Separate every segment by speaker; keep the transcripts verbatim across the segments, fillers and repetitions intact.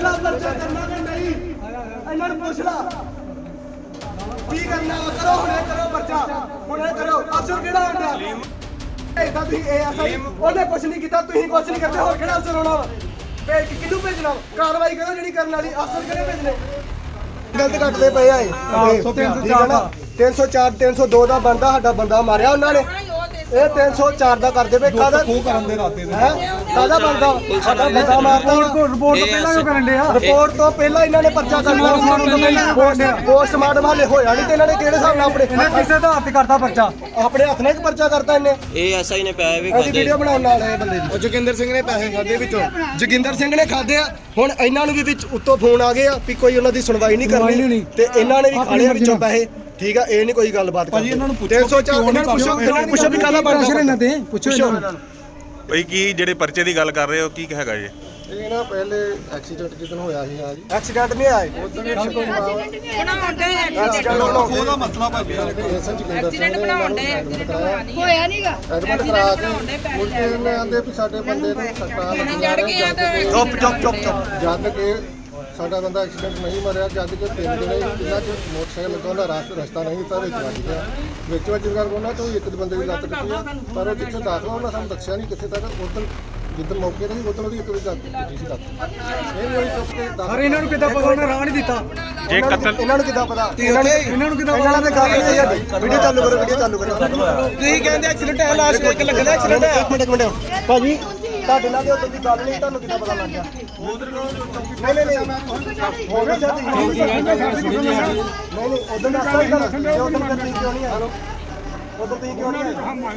Speaker 1: ਲਾ ਪਰਚਾ ਕਰਨਾ ਕਿ ਨਹੀਂ ਇਹਨਾਂ ਨੂੰ ਪੁੱਛ ਲਾ ਕੀ ਕਰਨਾ ਕਰੋ ਹੁਣੇ ਕਰੋ ਪਰਚਾ ਹੁਣੇ ਕਰੋ ਅਫਸਰ ਕਿਹੜਾ ਹੁੰਦਾ ਇਹਦਾ ਤੁਸੀਂ ਇਹ ਐਸਆਈ ਉਹਨੇ ਕੁਛ ਨਹੀਂ ਕੀਤਾ ਤੁਸੀਂ ਕੁਛ ਨਹੀਂ ਕਰਦੇ ਹੋਰ ਕਿਹੜਾ ਅਫਸਰ ਹੋਣਾ ਭੇਜ ਕਿਹਨੂੰ ਭੇਜਣਾ ਕਾਰਵਾਈ ਕਰੋ ਜਿਹੜੀ ਕਰਨ ਵਾਲੀ ਅਫਸਰ ਕਿਹੜੇ ਭੇਜਣੇ ਗਲਤ ਕੱਟਦੇ ਪਏ ਆਏ ਤਿੰਨ ਸੌ ਚਾਰ ਤਿੰਨ ਸੌ ਦੋ ਦਾ ਬੰਦਾ ਸਾਡਾ ਬੰਦਾ ਮਾਰਿਆ ਉਹਨਾਂ ਨੇ ਇਹ ਤਿੰਨ ਸੌ ਚਾਰ ਦਾ ਕਰਦੇ ਪਏ ਕਾਹਦਾ ਕੋ ਕਰਨ ਦੇ ਰਾਤੇ ਦੇ ਕਾਹਦਾ ਬੰਦਾ ਸਾਡਾ ਬੰਦਾ ਮਾਰਦਾ ਰਿਪੋਰਟ ਤੋਂ ਪਹਿਲਾਂ ਕਿਉਂ ਕਰਨ ਦੇ ਆ ਰਿਪੋਰਟ ਤੋਂ ਪਹਿਲਾਂ ਇਹਨਾਂ ਨੇ ਪਰਚਾ ਕਰਨਾ ਪੋਸਟਮਾਰਟਮ ਹਾਲੇ ਹੋਇਆ ਨਹੀਂ ਤੇ ਇਹਨਾਂ ਨੇ ਕਿਹੜੇ ਹਿਸਾਬ ਨਾਲ ਆਪਣੇ ਕਿਸੇ ਦਾ ਹੱਥ ਕਰਦਾ ਪਰਚਾ ਆਪਣੇ ਹੱਥ ਨਾਲ ਪਰਚਾ ਕਰਤਾ ਇਹਨੇ
Speaker 2: ਇਹ ਐਸਆਈ ਨੇ ਪੈਸੇ ਵੀ ਖਾਦੇ
Speaker 1: ਵੀਡੀਓ ਬਣਾਉਣ ਨਾਲ ਇਹ ਬੰਦੇ ਦੀ ਉਹ ਜੋਗਿੰਦਰ ਸਿੰਘ ਨੇ ਪੈਸੇ ਖਾਦੇ ਵਿੱਚੋਂ ਜੋਗਿੰਦਰ ਸਿੰਘ ਨੇ ਖਾਦੇ ਆ ਹੁਣ ਇਹਨਾਂ ਨੂੰ ਵੀ ਵਿੱਚ ਉੱਤੋਂ ਫੋਨ ਆ ਗਏ ਆ ਵੀ ਕੋਈ ਉਹਨਾਂ ਦੀ ਸੁਣਵਾਈ ਨਹੀਂ ਕਰਨੀ ਤੇ ਇਹਨਾਂ ਨੇ ਵੀ ਖਾ ਲਿਆ ਵਿੱਚੋਂ ਪੈਸੇ ਠੀਕ ਆ ਇਹ ਨਹੀਂ ਕੋਈ ਗੱਲਬਾਤ ਭਾਜੀ ਇਹਨਾਂ ਨੂੰ ਪੁੱਛੋ ਤਿੰਨ ਸੌ ਚਾਰ ਇਹਨਾਂ ਨੂੰ ਪੁੱਛੋ ਇਹਨਾਂ ਨੂੰ ਪੁੱਛੋ ਵੀ ਕਾਹਦਾ ਬਣਦਾ ਇਹਨਾਂ ਤੇ ਪੁੱਛੋ ਇਹਨਾਂ ਨੂੰ
Speaker 3: ਬਈ ਕੀ ਜਿਹੜੇ ਪਰਚੇ ਦੀ ਗੱਲ ਕਰ ਰਹੇ ਹੋ ਕੀ ਹੈਗਾ ਜੀ
Speaker 1: ਇਹ ਨਾ ਪਹਿਲੇ ਐਕਸੀਡੈਂਟ ਜਿੱਦਣ ਹੋਇਆ ਸੀ ਆ ਜੀ ਐਕਸੀਡੈਂਟ ਨਹੀਂ ਆਏ ਉਦੋਂ ਐਕਸੀਡੈਂਟ ਉਹਦਾ ਮਸਲਾ ਭਾਜੀ ਐਕਸੀਡੈਂਟ ਬਣਾਉਂਦੇ
Speaker 4: ਹੋਇਆ ਨਹੀਂਗਾ
Speaker 1: ਐਡਮਿਟ ਕਰਾ ਕੇ ਉਲਟੇ ਨੇ ਆਂਦੇ ਵੀ ਸਾਡੇ ਬੰਦੇ ਨੂੰ ਸੱਟਾਂ ਲੱਗੀਆਂ ਚੁੱਪ ਚੁੱਪ ਚੁੱਪ ਚੁੱਪ ਜਦ ਕਿ ਸਾਡਾ ਬੰਦਾ ਐਕਸੀਡੈਂਟ ਨਹੀਂ ਮਰਿਆ ਜਦ ਕਿ ਤਿੰਨ ਦਿਨ ਜਿੰਨਾ ਚ ਮੋਟਰਸਾਈਕਲ ਲੱਗਾ ਉਹਦਾ ਰਾਸਤਾ ਰਸਤਾ ਨਹੀਂ ਤਾਂ ਵਿੱਚ ਵੱਜ ਗਿਆ ਵਿੱਚ ਵੱਜ ਗਿਆ ਉਹਨਾਂ ਤੋਂ ਇੱਕ ਬੰਦੇ ਦੀ ਲੱਤ ਟੁੱਟੀ ਆ ਪਰ ਉਹ ਜਿੱਥੇ ਦਾਖਲ ਉਹਨਾਂ ਸਾਨੂੰ ਦੱਸਿਆ ਨਹੀਂ ਕਿੱਥੇ ਤੱਕ ਉਦੋਂ ਜਿੱਦਣ ਮੌਕੇ ਤੇ ਉਦੋਂ ਉਹਦੀ ਇੱਕ ਵਜੇ ਲੱਤ ਟੁੱਟੀ ਸੀ ਲੱਤ ਇਹ ਵੀ ਚੁੱਕ ਕੇ
Speaker 5: ਪਰ ਇਹਨਾਂ ਨੂੰ ਕਿੱਦਾਂ ਪਤਾ ਉਹਨੇ ਰਾਹ ਨਹੀਂ ਦਿੱਤਾ
Speaker 3: ਜੇ ਕਤਲ
Speaker 1: ਇਹਨਾਂ ਨੂੰ ਕਿੱਦਾਂ ਪਤਾ ਇਹਨਾਂ ਨੂੰ ਇਹਨਾਂ ਨੂੰ ਕਿੱਦਾਂ ਇਹਨਾਂ ਦੇ ਗੱਲ ਨਹੀਂ ਹੈ ਵੀਡੀਓ ਚਾਲੂ ਕਰੋ ਵੀਡੀਓ ਚਾਲੂ ਕਰੋ ਤੁਸੀਂ ਕਹਿੰਦੇ ਐਕਸੀਡੈਂਟ ਹੈ ਲਾਸਟ ਇੱਕ ਲੱਗਦਾ ਐਕਸੀਡੈਂਟ ਹੈ ਇੱਕ ਮਿੰਟ ਇੱਕ ਮਿੰਟ ਭਾਜੀ ਤੁਹਾਡੇ ਨਾਲ ਦੇ ਉਦੋਂ ਦੀ ਗੱਲ ਨਹੀਂ ਤੁਹਾਨੂੰ ਕਿੱਦਾਂ ਪਤਾ ਲੱਗ ਗਿਆ ਨਹੀਂ ਨਹੀਂ ਨਹੀਂ ਹੋ ਗਿਆ ਜਦ ਨਹੀਂ ਨਹੀਂ ਉਦੋਂ ਦਾ ਅਸਲ ਗੱਲ ਉਦੋਂ ਤੁਸੀਂ ਕਿਉਂ ਨਹੀਂ ਆਏ ਉਦੋਂ ਤੁਸੀਂ ਕਿਉਂ ਨਹੀਂ ਆਏ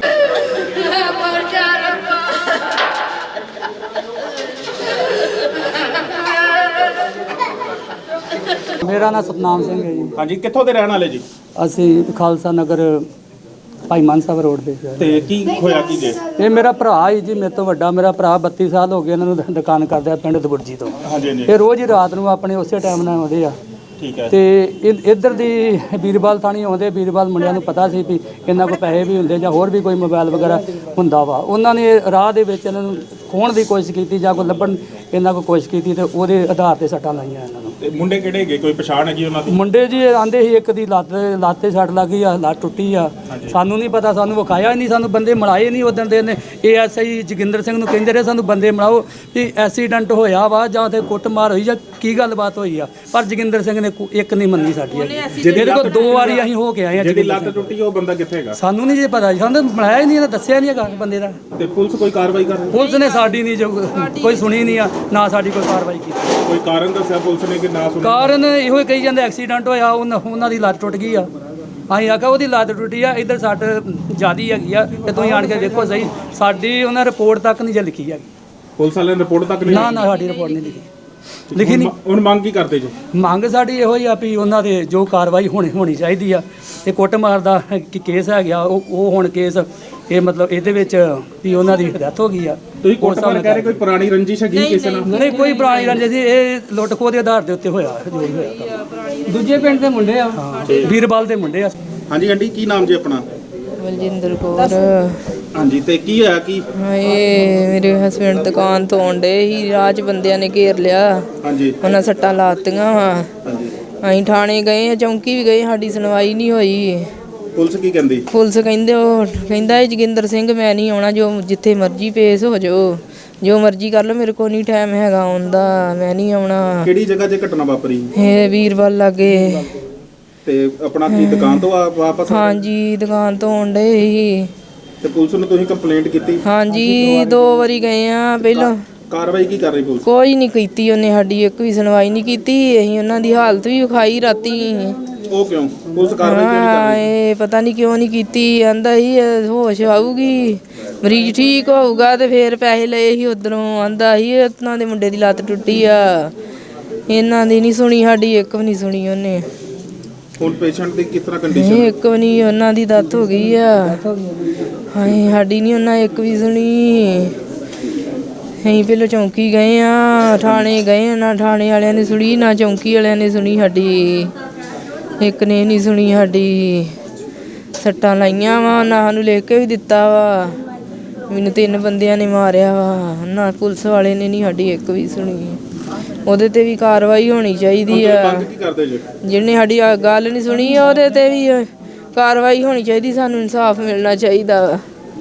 Speaker 5: ਮੇਰਾ ਨਾਮ ਸਤਨਾਮ ਸਿੰਘ ਹੈ ਜੀ।
Speaker 3: ਹਾਂਜੀ ਕਿੱਥੋਂ ਦੇ ਰਹਿਣ ਵਾਲੇ ਜੀ
Speaker 5: ਅਸੀਂ ਖਾਲਸਾ ਨਗਰ ਭਾਈ ਮਾਨ ਸਾਹਿਬ ਰੋਡ ਦੇ
Speaker 3: ਤੇ ਕੀ ਹੋਇਆ ਕੀ ਜੇ
Speaker 5: ਇਹ ਮੇਰਾ ਭਰਾ ਹੀ ਜੀ ਮੇਰੇ ਤੋਂ ਵੱਡਾ ਮੇਰਾ ਭਰਾ ਬੱਤੀ ਸਾਲ ਹੋ ਗਏ ਇਹਨਾਂ ਨੂੰ ਦੁਕਾਨ ਕਰਦਾ ਪਿੰਡ ਦਬੁਰਜੀ ਤੋਂ
Speaker 3: ਹਾਂਜੀ ਹਾਂਜੀ
Speaker 5: ਇਹ ਰੋਜ਼ ਹੀ ਰਾਤ ਨੂੰ ਆਪਣੇ ਉਸੇ ਟਾਈਮ ਨਾਲ ਆਉਂਦੇ ਆ
Speaker 3: ਠੀਕ ਹੈ
Speaker 5: ਤੇ ਇੱਧਰ ਦੀ ਵੀਰਵਾਲ ਥਾਣੀ ਆਉਂਦੇ ਵੀਰਵਾਲ ਮੁੰਡਿਆਂ ਨੂੰ ਪਤਾ ਸੀ ਵੀ ਇਹਨਾਂ ਕੋਲ ਪੈਸੇ ਵੀ ਹੁੰਦੇ ਜਾਂ ਹੋਰ ਵੀ ਕੋਈ ਮੋਬਾਈਲ ਵਗੈਰਾ ਹੁੰਦਾ ਵਾ ਉਹਨਾਂ ਨੇ ਰਾਹ ਦੇ ਵਿੱਚ ਇਹਨਾਂ ਨੂੰ ਖੋਹਣ ਦੀ ਕੋਸ਼ਿਸ਼ ਕੀਤੀ ਜਾਂ ਕੋਈ ਲੱਭਣ ਇਹਨਾਂ ਕੋਲ ਕੋਸ਼ਿਸ਼ ਕੀਤੀ ਤੇ ਉਹਦੇ ਆਧਾਰ ਤੇ ਸੱਟਾਂ ਲਾਈਆਂ ਇਹਨਾਂ ਨੂੰ
Speaker 3: ਤੇ ਮੁੰਡੇ ਕਿਹੜੇ ਹੈਗੇ ਕੋਈ ਪਛਾਣ ਹੈਗੀ ਉਹਨਾਂ ਦੀ
Speaker 5: ਮੁੰਡੇ ਜੀ ਆਂਦੇ ਸੀ ਇੱਕ ਦੀ ਲੱਤ ਲੱਤ ਤੇ ਸੱਟ ਲੱਗ ਗਈ ਆ ਲੱਤ ਟੁੱਟੀ ਆ ਸਾਨੂੰ ਨਹੀਂ ਪਤਾ ਸਾਨੂੰ ਵਿਖਾਇਆ ਹੀ ਨਹੀਂ ਸਾਨੂੰ ਬੰਦੇ ਮਿਲਾਏ ਨਹੀਂ ਉਦੋਂ ਦੇ ਨੇ ਏਐਸਆਈ ਜੋਗਿੰਦਰ ਸਿੰਘ ਨੂੰ ਕਹਿੰਦੇ ਰਹੇ ਸਾਨੂੰ ਬੰਦੇ ਮਿਲਾਓ ਵੀ ਐਕਸੀਡੈਂਟ ਹੋਇਆ ਵਾ ਜਾਂ ਤੇ ਕੁੱਟਮਾਰ ਹੋਈ ਜਾਂ ਕੀ ਗੱਲਬਾਤ ਹੋਈ ਆ ਪਰ ਜੋਗਿੰਦਰ ਸਿੰਘ ਨੇ ਇੱਕ ਨਹੀਂ ਮੰਨੀ ਸਾਡੀ ਜਿਹਦੇ ਕੋਲ ਦੋ ਵਾਰੀ ਅਸੀਂ ਹੋ ਕੇ ਆਏ ਆ
Speaker 3: ਜਿਹਦੀ ਲੱਤ ਟੁੱਟੀ ਉਹ ਬੰਦਾ ਕਿੱਥੇ ਹੈਗਾ
Speaker 5: ਸਾਨੂੰ ਨਹੀਂ ਜੇ ਪਤਾ ਸਾਨੂੰ ਮਿਲਾਇਆ ਹੀ ਨਹੀਂ ਇਹਨੇ ਦੱਸਿਆ ਨਹੀਂ ਹੈਗਾ ਬੰਦੇ ਦਾ
Speaker 3: ਤੇ ਪੁਲਿਸ ਕੋਈ ਕਾਰਵਾਈ ਕਰ ਰਹੀ
Speaker 5: ਪੁਲਿਸ ਨੇ ਸਾਡੀ ਨਹੀਂ ਜੋ ਕੋਈ ਸੁਣੀ ਨਹੀਂ ਆ ਨਾ ਸਾਡੀ ਕੋਈ ਕਾਰਵਾਈ ਕੀਤੀ
Speaker 3: ਕੋਈ ਕਾਰਨ ਦੱਸਿਆ ਪੁਲਿਸ ਨੇ ਕਿ ਨਾ ਸੁਣਿਆ
Speaker 5: ਕਾਰਨ ਇਹੋ ਹੀ ਕਹੀ ਜਾਂਦੇ ਐਕਸੀਡੈਂਟ ਹੋਇਆ ਉਹਨਾਂ ਉਹਨਾਂ ਦੀ ਲੱਤ ਟੁੱਟ ਗਈ ਆ ਅਸੀਂ ਆਖਿਆ ਉਹਦੀ ਲੱਤ ਟੁੱਟੀ ਆ ਇੱਧਰ ਸੱਟ ਜ਼ਿਆਦੀ ਹੈਗੀ ਆ ਤੇ ਤੁਸੀਂ ਆਣ ਕੇ ਦੇਖੋ ਸਹੀ ਸਾਡੀ ਉਹਨਾਂ ਰਿਪੋਰਟ ਤੱਕ ਨਹੀਂ ਜੇ ਲਿਖੀ ਹੈਗੀ
Speaker 3: ਪੁਲਿਸ ਵਾਲਿਆਂ ਨੇ ਰਿਪੋਰਟ ਤੱਕ ਨਹੀਂ
Speaker 5: ਨਾ ਨਾ ਸਾਡੀ ਰਿਪੋਰਟ ਨਹੀਂ ਲਿਖੀ ਲਿਖੀ ਨਹੀਂ
Speaker 3: ਹੁਣ ਮੰਗ ਕੀ ਕਰਦੇ ਜੀ
Speaker 5: ਮੰਗ ਸਾਡੀ ਇਹੋ ਹੀ ਆ ਵੀ ਉਹਨਾਂ ਦੇ ਜੋ ਕਾਰਵਾਈ ਹੋਣੀ ਹੋਣੀ ਚਾਹੀਦੀ ਆ ਇਹ ਕੁੱਟਮਾਰ ਦਾ ਕੀ ਕੇਸ ਹੈ ਗਿਆ ਉਹ ਉਹ ਹੁਣ ਕੇਸ ਇਹ ਮਤਲਬ ਇਹਦੇ ਵਿੱਚ ਵੀ ਉਹਨਾਂ ਦੀ ਡੈਥ ਹੋ ਗਈ ਆ
Speaker 3: ਤੁਸੀਂ ਕੁੱਟਮਾਰ ਕਹਿ ਰਹੇ ਕੋਈ ਪੁਰਾਣੀ ਰੰਜਿਸ਼ ਹੈਗੀ ਕਿਸੇ ਨਾਲ
Speaker 5: ਨਹੀਂ ਕੋਈ ਪੁਰਾਣੀ ਰੰਜਿਸ਼ ਸੀ ਇਹ ਲੁੱਟ ਖੋਹ ਦੇ ਆਧਾਰ ਦੇ ਉੱਤੇ ਹੋਇਆ ਜੋ ਵੀ ਹੋਇਆ ਦੂਜੇ ਪਿੰਡ ਦੇ ਮੁੰਡੇ ਆ ਵੀਰਵਾਲ ਦੇ ਮੁੰਡੇ ਆ
Speaker 3: ਹਾਂਜੀ ਆਂਟੀ ਕੀ ਨਾਮ ਜੀ ਆਪਣਾ
Speaker 4: ਬਲਜਿੰਦਰ ਕੌਰ
Speaker 3: ਹਾਂਜੀ ਤੇ ਕੀ ਹੋਇਆ ਕੀ
Speaker 4: ਹਾਏ ਮੇਰੇ ਹਸਬੰਡ ਦੁਕਾਨ ਤੋਂ ਆਉਂਦੇ ਹੀ ਰਾਜ ਬੰਦਿਆਂ ਨੇ ਘੇਰ ਲਿਆ
Speaker 3: ਹਾਂਜੀ
Speaker 4: ਉਹਨਾਂ ਸੱਟਾਂ ਲਾਤੀਆਂ ਵਾ
Speaker 3: ਹਾਂਜੀ
Speaker 4: ਅਸੀਂ ਥਾਣੇ ਗਏ ਚੌਂਕੀ ਵੀ ਗਏ ਸਾਡੀ ਸੁਣਵਾਈ ਨਹੀਂ ਹੋਈ
Speaker 3: ਪੁਲਿਸ ਕੀ ਕਹਿੰਦੀ
Speaker 4: ਪੁਲਿਸ ਕਹਿੰਦੇ ਉਹ ਕਹਿੰਦਾ ਇਹ ਜੋਗਿੰਦਰ ਸਿੰਘ ਮੈਂ ਨਹੀਂ ਆਉਣਾ ਜੋ ਜਿੱਥੇ ਮਰਜ਼ੀ ਪੇਸ਼ ਹੋ ਜਾਓ ਜੋ ਮਰਜ਼ੀ ਕਰ ਲਓ ਮੇਰੇ ਕੋਲ ਨਹੀਂ ਟਾਈਮ ਹੈਗਾ ਆਉਂਦਾ ਮੈਂ ਨਹੀਂ ਆਉਣਾ
Speaker 3: ਕਿਹੜੀ ਜਗ੍ਹਾ 'ਤੇ ਘਟਨਾ ਵਾਪਰੀ
Speaker 4: ਇਹ ਵੀਰਵਾਲ ਲਾਗੇ
Speaker 3: ਤੇ ਆਪਣਾ ਕੀ ਦੁਕਾਨ ਤੋਂ ਆ- ਵਾਪਸ
Speaker 4: ਹਾਂਜੀ ਦੁਕਾਨ ਤੋਂ ਆਉਂਦੇ ਸੀ
Speaker 3: ਤੇ ਪੁਲਿਸ ਨੂੰ ਤੁਸੀਂ ਕੰਪਲੇਂਟ ਕੀਤੀ
Speaker 4: ਹਾਂਜੀ ਦੋ ਵਾਰੀ ਗਏ ਆ ਪਹਿਲਾਂ
Speaker 3: ਕਾਰਵਾਈ ਕੀ ਕਰ ਰਹੀ ਪੁਲਿਸ
Speaker 4: ਕੋਈ ਨਹੀਂ ਕੀਤੀ ਉਹਨੇ ਸਾਡੀ ਇੱਕ ਵੀ ਸੁਣਵਾਈ ਨਹੀਂ ਕੀਤੀ ਅਸੀਂ ਉਹਨਾਂ ਦੀ ਹਾਲਤ ਵੀ ਵਿਖਾਈ ਰਾਤੀ
Speaker 3: ਉਹ ਕਿਉਂ ਪੁਲਿਸ ਕਾਰਵਾਈ ਕਿਉਂ ਨਹੀਂ ਕਰ ਰਹੀ
Speaker 4: ਇਹ ਪਤਾ ਨਹੀਂ ਕਿਉਂ ਨਹੀਂ ਕੀਤੀ ਆਂਦਾ ਸੀ ਇਹ ਹੋਸ਼ ਆਊਗੀ ਮਰੀਜ਼ ਠੀਕ ਹੋਊਗਾ ਤੇ ਫੇਰ ਪੈਸੇ ਲਏ ਸੀ ਉਧਰੋਂ ਆਂਦਾ ਸੀ ਉਹਨਾਂ ਦੇ ਮੁੰਡੇ ਦੀ ਲੱਤ ਟੁੱਟੀ ਆ ਇਹਨਾਂ ਦੀ ਨਹੀਂ ਸੁਣੀ ਸਾਡੀ ਇੱਕ ਵੀ ਨਹੀਂ ਸੁਣੀ ਉਹਨੇ
Speaker 3: ਹੁਣ ਪੇਸ਼ੈਂਟ ਦੀ ਕਿਸ ਤਰ੍ਹਾਂ
Speaker 4: ਨਹੀਂ
Speaker 3: ਕੰਡੀਸ਼ਨ
Speaker 4: ਇੱਕ ਵੀ ਨਹੀਂ ਉਹਨਾਂ ਦੀ ਡੈਥ ਹੋ ਗਈ ਆ ਹਾਏ ਸਾਡੀ ਨਹੀਂ ਉਹਨਾਂ ਇੱਕ ਵੀ ਸੁਣੀ ਅਸੀਂ ਪਹਿਲਾਂ ਚੌਂਕੀ ਗਏ ਆ ਥਾਣੇ ਗਏ ਨਾ ਥਾਣੇ ਵਾਲਿਆਂ ਨੇ ਸੁਣੀ ਨਾ ਚੌਂਕੀ ਵਾਲਿਆਂ ਨੇ ਸੁਣੀ ਸਾਡੀ ਇੱਕ ਨੇ ਨਹੀਂ ਸੁਣੀ ਸਾਡੀ ਸੱਟਾਂ ਲਾਈਆਂ ਵਾ ਨਾ ਸਾਨੂੰ ਲਿਖ ਕੇ ਵੀ ਦਿੱਤਾ ਵਾ ਮੈਨੂੰ ਤਿੰਨ ਬੰਦਿਆਂ ਨੇ ਮਾਰਿਆ ਵਾ ਨਾ ਪੁਲਿਸ ਵਾਲੇ ਨੇ ਨਹੀਂ ਸਾਡੀ ਇੱਕ ਵੀ ਸੁਣੀ ਉਹਦੇ ਤੇ ਵੀ ਕਾਰਵਾਈ ਹੋਣੀ ਚਾਹੀਦੀ ਆ।
Speaker 3: ਕੀ ਕਰਦੇ ਜੀ
Speaker 4: ਜਿਹਨੇ ਸਾਡੀ ਆਹ ਗੱਲ ਨਹੀਂ ਸੁਣੀ ਆ ਉਹਦੇ ਤੇ ਵੀ ਕਾਰਵਾਈ ਹੋਣੀ ਚਾਹੀਦੀ, ਸਾਨੂੰ ਇਨਸਾਫ ਮਿਲਣਾ ਚਾਹੀਦਾ ਵਾ।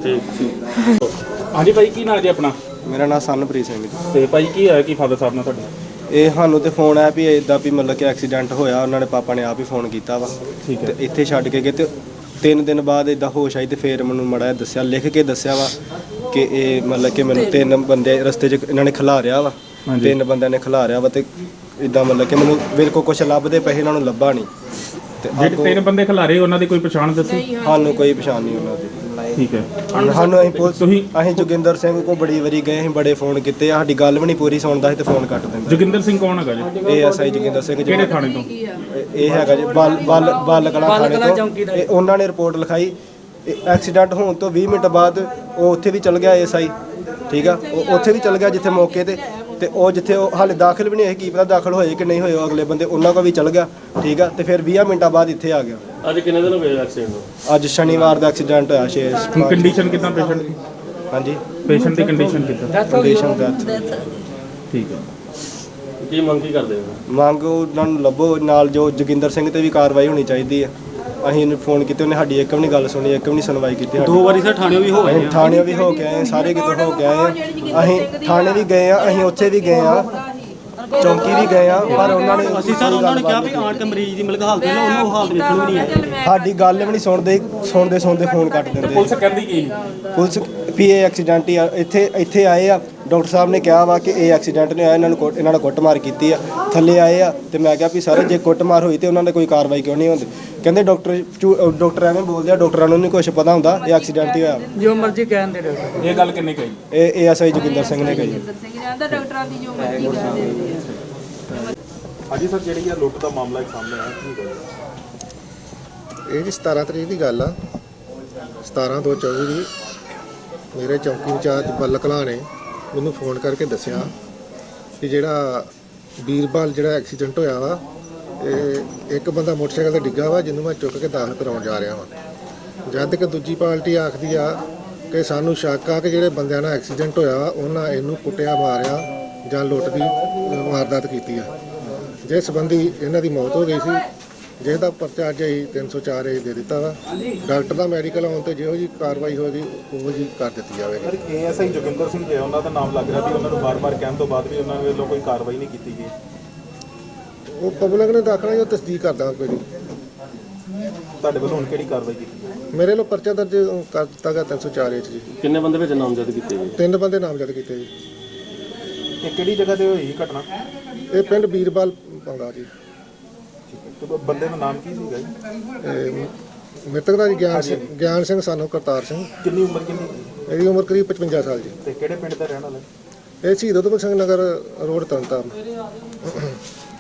Speaker 3: ਹਾਂਜੀ ਭਾਈ, ਕੀ ਨਾਂ ਜੀ ਆਪਣਾ?
Speaker 1: ਮੇਰਾ ਨਾਮ ਸਨਪ੍ਰੀਤ ਸਿੰਘ ਜੀ।
Speaker 3: ਤੇ ਭਾਈ ਕੀ ਹੋਇਆ ਕੀ ਫਾਦਰ ਸਾਹਿਬ ਨਾਲ ਤੁਹਾਡੇ?
Speaker 1: ਇਹ ਸਾਨੂੰ ਤੇ ਫੋਨ ਆਇਆ ਵੀ ਇਦਾਂ ਵੀ ਮਤਲਬ ਕਿ ਐਕਸੀਡੈਂਟ ਹੋਇਆ, ਉਹਨਾਂ ਨੇ ਪਾਪਾ ਨੇ ਆਪ ਹੀ ਫੋਨ ਕੀਤਾ ਵਾ
Speaker 3: ਠੀਕ
Speaker 1: ਤੇ ਇੱਥੇ ਛੱਡ ਕੇ ਗਏ ਤੇ ਤਿੰਨ ਦਿਨ ਬਾਅਦ ਇਦਾਂ ਹੋਸ਼ ਆਈ ਤੇ ਫੇਰ ਮੈਨੂੰ ਮੜਾ ਦੱਸਿਆ, ਲਿਖ ਕੇ ਦੱਸਿਆ ਵਾ ਕਿ ਇਹ ਮਤਲਬ ਕਿ ਮੈਨੂੰ ਤਿੰਨ ਬੰਦੇ ਰਸਤੇ 'ਚ ਇਹਨਾਂ ਨੇ ਖਿਲਾਰਿਆ ਵਾ, ਤਿੰਨ ਬੰਦਿਆਂ ਨੇ ਖਿਲਾਰਿਆ ਵਾ ਤੇ ਇਦਾਂ ਮਤਲਬ ਕਿ ਮੈਨੂੰ ਮੇਰੇ ਕੋਲ ਕੁਝ ਲੱਭਦੇ ਪਏ, ਇਹਨਾਂ ਨੂੰ ਲੱਭਾ ਨਹੀਂ ਤੇ
Speaker 3: ਜਿਹੜੇ ਤਿੰਨ ਬੰਦੇ ਖਿਲਾਰੇ ਉਹਨਾਂ ਦੀ ਕੋਈ ਪਛਾਣ ਦੱਸੀ?
Speaker 1: ਸਾਨੂੰ ਕੋਈ ਪਛਾਣ ਨਹੀਂ ਉਹਨਾਂ ਦੀ।
Speaker 3: ਠੀਕ ਹੈ,
Speaker 1: ਸਾਨੂੰ ਅਸੀਂ ਪੁਲਿਸ
Speaker 3: ਤੁਸੀਂ
Speaker 1: ਅਸੀਂ ਜੋਗਿੰਦਰ ਸਿੰਘ ਕੋਲ ਬੜੀ ਵਾਰੀ ਗਏ, ਅਸੀਂ ਬੜੇ ਫੋਨ ਕੀਤੇ, ਸਾਡੀ ਗੱਲ ਵੀ ਨਹੀਂ ਪੂਰੀ ਸੁਣਦਾ ਸੀ ਤੇ ਫੋਨ ਕੱਟ ਦਿੰਦਾ।
Speaker 3: ਜੋਗਿੰਦਰ ਸਿੰਘ ਕੌਣ ਹੈਗਾ ਜੀ?
Speaker 1: ਇਹ ਐਸਆਈ ਜੋਗਿੰਦਰ ਸਿੰਘ ਜੀ।
Speaker 3: ਕਿਹੜੇ ਥਾਣੇ ਤੋਂ?
Speaker 1: ਇਹ- ਇਹ ਹੈਗਾ ਜੀ ਬਲ ਬਲ ਬਲ ਕਲਾਂ ਥਾਣੇ ਤੋਂ। ਇਹ ਉਹਨਾਂ ਨੇ ਰਿਪੋਰਟ ਲਿਖਾਈ, ਐਕਸੀਡੈਂਟ ਹੋਣ ਤੋਂ ਵੀਹ ਮਿੰਟ ਬਾਅਦ ਉਹ ਉੱਥੇ ਵੀ ਚਲ ਗਿਆ ਐਸਆਈ, ਠੀਕ ਆ, ਉਹ ਉੱਥੇ ਵੀ ਚਲ ਗਿਆ ਜਿੱਥੇ ਮੌਕੇ ਤੇ ਤੇ ਉਹ ਜਿੱਥੇ ਉਹ ਹਾਲੇ ਦਾਖਲ ਵੀ ਨਹੀਂ ਹੋਏ, ਕੀ ਪਤਾ ਦਾਖਲ ਹੋਏ ਕਿ ਨਹੀਂ ਹੋਏ, ਉਹ ਅਗਲੇ ਬੰਦੇ ਉਹਨਾਂ ਕੋਲ ਵੀ ਚਲ ਗਿਆ, ਠੀਕ ਆ, ਤੇ ਫਿਰ ਵੀਹ ਮਿੰਟਾਂ ਬਾਅਦ ਇੱਥੇ ਆ ਗਿਆ।
Speaker 6: ਅੱਜ ਕਿੰਨੇ ਦਿਨ ਹੋ ਗਏ ਐਕਸੀਡੈਂਟ ਨੂੰ?
Speaker 1: ਅੱਜ ਸ਼ਨੀਵਾਰ ਦਾ ਐਕਸੀਡੈਂਟ ਹੋਇਆ ਛੇ
Speaker 3: ਕੰਡੀਸ਼ਨ ਕਿਦਾਂ ਪੇਸ਼ੈਂਟ ਦੀ?
Speaker 1: ਹਾਂਜੀ
Speaker 3: ਪੇਸ਼ੈਂਟ ਦੀ ਕੰਡੀਸ਼ਨ ਕਿਦਾਂ?
Speaker 1: Condition death.
Speaker 3: ਠੀਕ ਹੈ,
Speaker 6: ਕੀ ਮੰਗ ਕੀ ਕਰਦੇ ਹੋ?
Speaker 1: ਮੰਗ ਉਹਨਾਂ ਨੂੰ ਲੱਭੋ, ਨਾਲ ਜੋ ਜੋਗਿੰਦਰ ਸਿੰਘ ਤੇ ਵੀ ਕਾਰਵਾਈ ਹੋਣੀ ਚਾਹੀਦੀ ਆ। ਅਸੀਂ ਇਹਨੂੰ ਫੋਨ ਕੀਤੇ, ਉਹਨੇ ਸਾਡੀ ਇੱਕ ਵੀ ਨਹੀਂ ਗੱਲ ਸੁਣੀ, ਇੱਕ ਵੀ ਨਹੀਂ ਸੁਣਵਾਈ ਕੀਤੀ।
Speaker 6: ਦੋ ਵਾਰੀ ਸਰ ਥਾਣੇ ਵੀ ਹੋ ਗਏ
Speaker 1: ਅਸੀਂ ਥਾਣੇ ਵੀ ਹੋ ਕੇ ਆਏ, ਸਾਰੇ ਕਿਤੇ ਹੋ ਕੇ ਆਏ ਆ। ਅਸੀਂ ਥਾਣੇ ਵੀ ਗਏ ਆ, ਅਸੀਂ ਉੱਥੇ ਵੀ ਗਏ ਆ, ਚੌਂਕੀ ਵੀ ਗਏ ਆ, ਪਰ ਉਹਨਾਂ ਨੇ
Speaker 6: ਅਸੀਂ ਸਰ ਉਹਨਾਂ ਨੇ ਕਿਹਾ ਵੀ ਆਣ ਕੇ ਮਰੀਜ਼ ਦੀ ਮਿਲਕ ਹਾਲਤ ਹੈ ਉਹਨੂੰ ਹਾਲਤ ਵੇਖਣ ਵੀ ਨਹੀਂ ਆਈ।
Speaker 1: ਸਾਡੀ ਗੱਲ ਵੀ ਨਹੀਂ ਸੁਣਦੇ, ਸੁਣਦੇ ਸੁਣਦੇ ਫੋਨ ਕੱਟ ਦਿੰਦੇ।
Speaker 3: ਪੁਲਿਸ ਕਹਿੰਦੀ ਕੀ?
Speaker 1: ਪੁਲਿਸ ਵੀ ਇਹ ਐਕਸੀਡੈਂਟ ਹੀ ਆ, ਇੱਥੇ ਇੱਥੇ ਆਏ ਆ, ਡਾਕਟਰ ਸਾਹਿਬ ਨੇ ਕਿਹਾ ਵਾ ਕਿ ਇਹ ਐਕਸੀਡੈਂਟ ਨਹੀਂ ਹੋਇਆ, ਇਹਨਾਂ ਨੂੰ ਕੁੱਟ- ਇਹਨਾਂ ਨੇ ਕੁੱਟਮਾਰ ਕੀਤੀ ਆ। ਥੱਲੇ ਆਏ ਆ ਤੇ ਮੈਂ ਕਿਹਾ ਵੀ ਸਰ ਜੇ ਕੁੱਟਮਾਰ ਹੋਈ ਤੇ ਉਹਨਾਂ ਦੇ ਕੋਈ ਕਾਰਵਾਈ ਕਿਉਂ ਨਹੀਂ ਹੁੰਦੀ? ਕਹਿੰਦੇ ਡਾਕਟਰ ਝੂ- ਡਾਕਟਰ ਐਵੇਂ ਬੋਲਦੇ ਆ, ਡਾਕਟਰਾਂ ਨੂੰ ਨਹੀਂ ਕੁਝ ਪਤਾ ਹੁੰਦਾ, ਇਹ ਐਕਸੀਡੈਂਟ ਹੀ ਹੋਇਆ।
Speaker 5: ਜੋ ਮਰਜ਼ੀ ਕਹਿਣ ਦੇ ਡਾਕਟਰ।
Speaker 3: ਇਹ ਗੱਲ ਕਿੰਨੇ ਕਹੀ?
Speaker 1: ਇਹ ਏਐਸਆਈ ਜੋਗਿੰਦਰ ਸਿੰਘ ਨੇ ਕਹੀ।
Speaker 4: ਡਾਕਟਰਾਂ ਦੀ ਜੋ ਮਰਜ਼ੀ ਕਰ ਦਿੰਦੇ ਆ।
Speaker 3: ਹਾਂਜੀ ਸਰ, ਜਿਹੜੀ ਆ ਲੁੱਟ ਦਾ ਮਾਮਲਾ ਇੱਕ ਸਾਹਮਣੇ ਆਇਆ, ਕੀ ਗੱਲ?
Speaker 7: ਇਹ ਜੀ ਸਤਾਰਾਂ ਤਰੀਕ ਦੀ ਗੱਲ ਆ, ਸਤਾਰਾਂ ਦੋ ਚੌਵੀ ਦੀ। ਮੇਰੇ ਚੌਂਕੀ ਇੰਚਾਰਜ ਬੱਲ ਕਲਾਂ ਨੇ ਮੈਨੂੰ ਫੋਨ ਕਰਕੇ ਦੱਸਿਆ ਕਿ ਜਿਹੜਾ ਵੀਰਬਾਲ ਜਿਹੜਾ ਐਕਸੀਡੈਂਟ ਹੋਇਆ ਵਾ, ਇਹ ਇੱਕ ਬੰਦਾ ਮੋਟਰਸਾਈਕਲ ਤੇ ਡਿੱਗਾ ਵਾ, ਜਿਹਨੂੰ ਮੈਂ ਚੁੱਕ ਕੇ ਦਾਖਲ ਕਰਾਉਣ ਜਾ ਰਿਹਾ ਵਾਂ। ਜਦ ਕਿ ਦੂਜੀ ਪਾਰਟੀ ਆਖਦੀ ਆ ਕਿ ਸਾਨੂੰ ਸ਼ੱਕ ਆ ਕਿ ਜਿਹੜੇ ਬੰਦਿਆਂ ਨਾਲ ਐਕਸੀਡੈਂਟ ਹੋਇਆ ਉਹਨਾਂ ਇਹਨੂੰ ਕੁੱਟਿਆ ਮਾਰਿਆ ਜਾਂ ਲੁੱਟ ਦੀ ਵਾਰਦਾਤ ਕੀਤੀ ਆ, ਜਿਸ ਸੰਬੰਧੀ ਇਹਨਾਂ ਦੀ ਮੌਤ ਹੋ ਗਈ ਸੀ, ਜਿਸ ਦਾ ਪਰਚਾ ਅੱਜ ਅਸੀਂ ਤਿੰਨ ਸੌ ਚਾਰ ਏ ਦੇ ਦਿੱਤਾ ਵਾ। ਡਾਕਟਰ ਦਾ ਮੈਡੀਕਲ ਆਉਣ ਤੇ ਜਿਹੋ ਜੀ ਕਾਰਵਾਈ ਹੋਏਗੀ ਉਹੋ ਜੀ ਕਰ ਦਿੱਤੀ ਜਾਵੇਗੀ।
Speaker 3: ਸਰ, ਏਐਸਆਈ ਜੋਗਿੰਦਰ ਸਿੰਘ ਜੀ ਉਹਨਾਂ ਦਾ ਨਾਮ ਲੱਗ ਰਿਹਾ ਵੀ ਉਹਨਾਂ ਨੂੰ ਬਾਰ-ਬਾਰ ਕਹਿਣ ਤੋਂ ਬਾਅਦ ਵੀ ਉਹਨਾਂ ਵੱਲੋਂ ਕੋਈ ਕਾਰਵਾਈ ਨਹੀਂ ਕੀਤੀ ਗਈ।
Speaker 7: ਉਹ ਪਬਲਿਕ ਨੇ ਦਾਖਲਾ ਜੋ ਤਸਦੀਕ ਕਰਦਾ ਕੋਈ ਨਹੀਂ।
Speaker 3: ਤੁਹਾਡੇ ਵੱਲੋਂ ਹੁਣ ਕਿਹੜੀ ਕਾਰਵਾਈ ਕੀਤੀ?
Speaker 7: ਮੇਰੇ ਵੱਲੋਂ ਪਰਚਾ ਦਰਜ ਕਰ ਦਿੱਤਾ ਗਿਆ ਤਿੰਨ ਸੌ ਚਾਰ ਏ 'ਚ ਜੀ।
Speaker 6: ਕਿੰਨੇ ਬੰਦੇ ਵਿੱਚ ਨਾਮਜ਼ਦ ਕੀਤੇ ਗਏ?
Speaker 7: ਤਿੰਨ ਬੰਦੇ ਨਾਮਜ਼ਦ ਕੀਤੇ ਜੀ।
Speaker 3: ਇਹ ਕਿਹੜੀ ਜਗ੍ਹਾ ਤੇ ਹੋਈ ਘਟਨਾ?
Speaker 7: ਇਹ ਪਿੰਡ ਵੀਰਬਾਲ ਪੰਗਾ ਜੀ।
Speaker 3: ਤੇ ਬੰਦੇ ਦਾ ਨਾਮ ਕੀ ਸੀਗਾ ਜੀ?
Speaker 7: ਇਹ ਮ੍ਰਿਤਕ ਦਾ ਜੀ ਗਿਆਨ ਸਿੰਘ ਗਿਆਨ ਸਿੰਘ ਸਾਨੂੰ ਕਰਤਾਰ ਸਿੰਘ।
Speaker 3: ਕਿੰਨੀ ਉਮਰ ਕਿੰਨੀ?
Speaker 7: ਇਹਦੀ ਉਮਰ ਕਰੀਬ ਪਚਵੰਜਾ ਸਾਲ ਜੀ।
Speaker 3: ਤੇ ਕਿਹੜੇ ਪਿੰਡ ਦਾ ਰਹਿਣ ਵਾਲਾ?
Speaker 7: ਇਹ ਸ਼ਹੀਦ ਊਧਮ ਸਿੰਘ ਨਗਰ ਰੋਡ ਤਰਨਤਾਰਨ।